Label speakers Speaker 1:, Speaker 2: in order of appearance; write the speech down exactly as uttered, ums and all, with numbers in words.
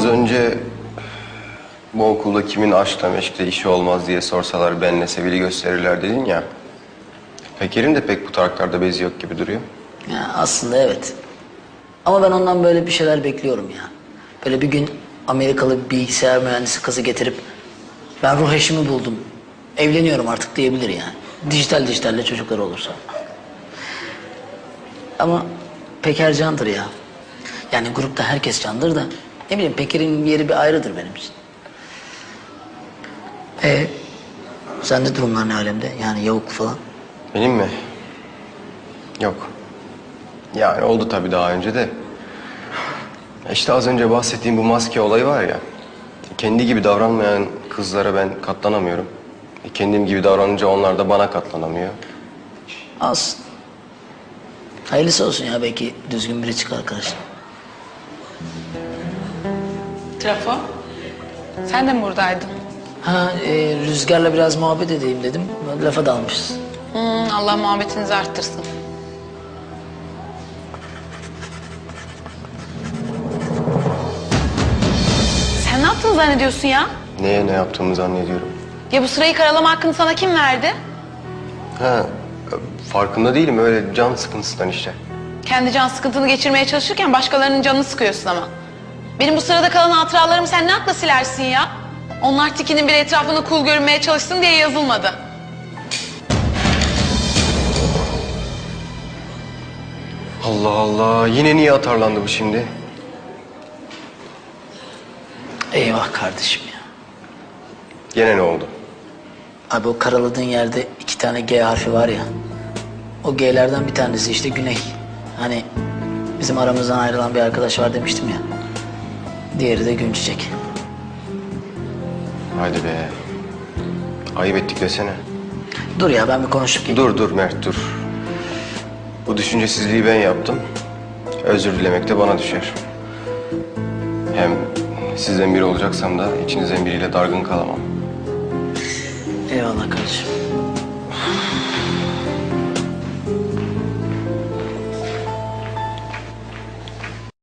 Speaker 1: önce bu okulda kimin aşkla meşkle işi olmaz diye sorsalar benle Sevil'i gösterirler dedin ya. Peker'in de pek bu taraklarda bezi yok gibi duruyor.
Speaker 2: Ya aslında evet. Ama ben ondan böyle bir şeyler bekliyorum ya. Böyle bir gün Amerikalı bir bilgisayar mühendisi kızı getirip ben ruh eşimi buldum, evleniyorum artık diyebilir yani. Dijital dijitalle çocuklar olursa. Ama Peker candır ya. Yani grupta herkes candır da ne bileyim Peker'in yeri bir ayrıdır benim için. E sende durumlar ne alemde? Yani Yavuk falan.
Speaker 1: Benim mi? Yok. Yani oldu tabii daha önce de. İşte az önce bahsettiğim bu maske olayı var ya. Kendi gibi davranmayan kızlara ben katlanamıyorum. Kendim gibi davranınca onlar da bana katlanamıyor.
Speaker 2: Az. Hayırlısı olsun ya, belki düzgün biri çıkar karşına.
Speaker 3: Trafo, sen de mi buradaydın?
Speaker 2: Ha e, Rüzgar'la biraz muhabbet edeyim dedim. Lafa dalmışız.
Speaker 3: Hmm, Allah muhabbetinizi arttırsın. Sen ne yaptın zannediyorsun ya?
Speaker 1: Neye ne yaptığımı zannediyorum.
Speaker 3: Ya bu sırayı karalama hakkını sana kim verdi?
Speaker 1: Ha, farkında değilim, öyle can sıkıntısından işte.
Speaker 3: Kendi can sıkıntını geçirmeye çalışırken başkalarının canını sıkıyorsun ama. Benim bu sırada kalan hatıralarımı sen ne akla silersin ya? Onlar tikinin bir etrafında cool görünmeye çalışsın diye yazılmadı.
Speaker 1: Allah Allah, yine niye atarlandı bu şimdi?
Speaker 2: Eyvah kardeşim ya.
Speaker 1: Gene ne oldu?
Speaker 2: Abi o karaladığın yerde iki tane G harfi var ya. O G'lerden bir tanesi işte Güney. Hani bizim aramızdan ayrılan bir arkadaş var demiştim ya. Diğeri de Günçiçek.
Speaker 1: Hadi be. Ayıp ettik desene.
Speaker 2: Dur ya, ben bir konuşup geleyim.
Speaker 1: Dur dur Mert dur. Bu düşüncesizliği ben yaptım. Özür dilemek de bana düşer. Hem sizden biri olacaksam da içinizden biriyle dargın kalamam.
Speaker 2: Eyvallah kardeşim.